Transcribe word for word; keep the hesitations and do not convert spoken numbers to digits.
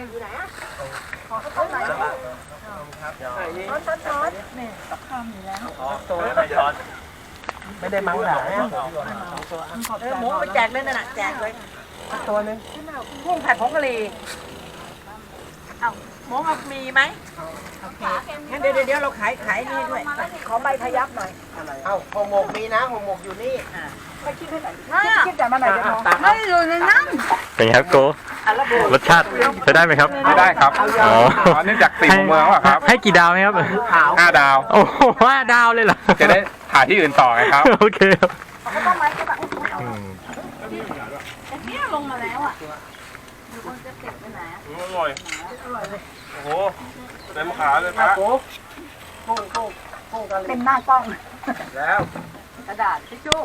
อยู่ไหนอ่ะขอเขาต้มไหนครับช้อนช้อนช้อนนี่ตักข้ามอยู่แล้วตัวไม่ช้อนไม่ได้มั้งหนาเนี่ยเออหมูไปแจกเลยนั่นน่ะแจกเลยตัวนึงกุ้งผัดผงกะหรี่เอ้าหมูมีไหมงั้นเดี๋ยวเดี๋ยวเราขายขายนี่ด้วยขอใบพยับหน่อยเอ้าห่อหมกมีนะห่อหมกอยู่นี่ไม่คิดให้หน่อยคิดแต่มาหน่อยเดี๋ยวไม่อยู่ในนั้นเป็นไงครับโกรสชาติใช้ได้ไหมครับไม่ได้ครับอ๋อเนื่องจากติดเมืองว่ะครับให้กี่ดาวไหมครับห้าดาวโอ้โหห้าดาวเลยเหรอจะได้ถ่ายที่อื่นต่อไงครับโอเคครับเนี่ยลงมาแล้วอ่ะดูคนจะติดไปไหนอร่อยโอ้โหเต็มขาเลยครับเป็นหน้ากล้องแล้วกระดาษทิชชู่